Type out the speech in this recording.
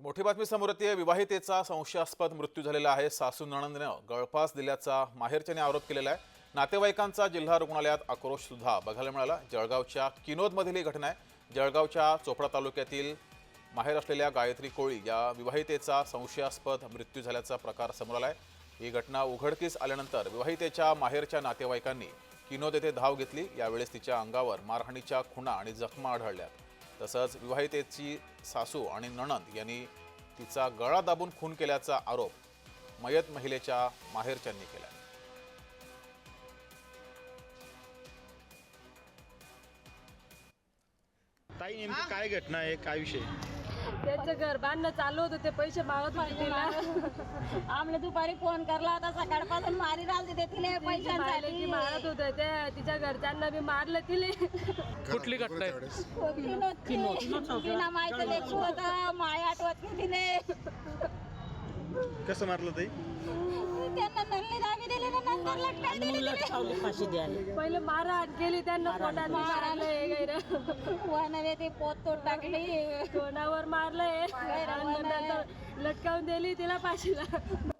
मोठी बातमी समोर येते। विवाहितेचा संशयास्पद मृत्यू झालेला आहे। सासू नणंदनं गळफास दिल्याचा माहेरच्याने आरोप केलेला आहे। नातेवाईकांचा जिल्हा रुग्णालयात आक्रोश सुद्धा बघायला मिळाला। जळगावच्या किनोदमधील ही घटना आहे। जळगावच्या चोपडा तालुक्यातील माहेर असलेल्या गायत्री कोळी या विवाहितेचा संशयास्पद मृत्यू झाल्याचा प्रकार समोर आलाय। ही घटना उघडकीस आल्यानंतर विवाहितेच्या माहेरच्या नातेवाईकांनी किनोद येथे धाव घेतली। यावेळेस तिच्या अंगावर मारहाणीच्या खुणा आणि जखमा आढळल्या। तसंच विवाहितेची सासू आणि नणंद यांनी तिचा गळा दाबून खून केल्याचा आरोप मयत महिलेच्या माहेरच्यांनी केला। ताई नेमकी काय घटना आहे, काय विषय? त्यांचं घर बांधणं चालू होतं, ते पैसे मागत होते तिला। आम्हाला दुपारी फोन करला होता, सकाळपासून मारी राहिली ते तिला पैशांसाठी मारत होते ते। तिच्या घरच्यांना बी मारलं तिले। कुठली घटना आहे? तिला माहिती लेकरू होतं, माय आठवत नाही तिने। कसं मारलं ताई? त्यांना नल्ली दाबी दिली ना, नंतर लटकाई दिली फाशी द्यायला। पहिले मारहाण केली त्यांना, पोटात मारलंय, वनाने ते पोत तोड टाकली, तोंडावर मारलंय, लटकावून दिली तिला फाशीला।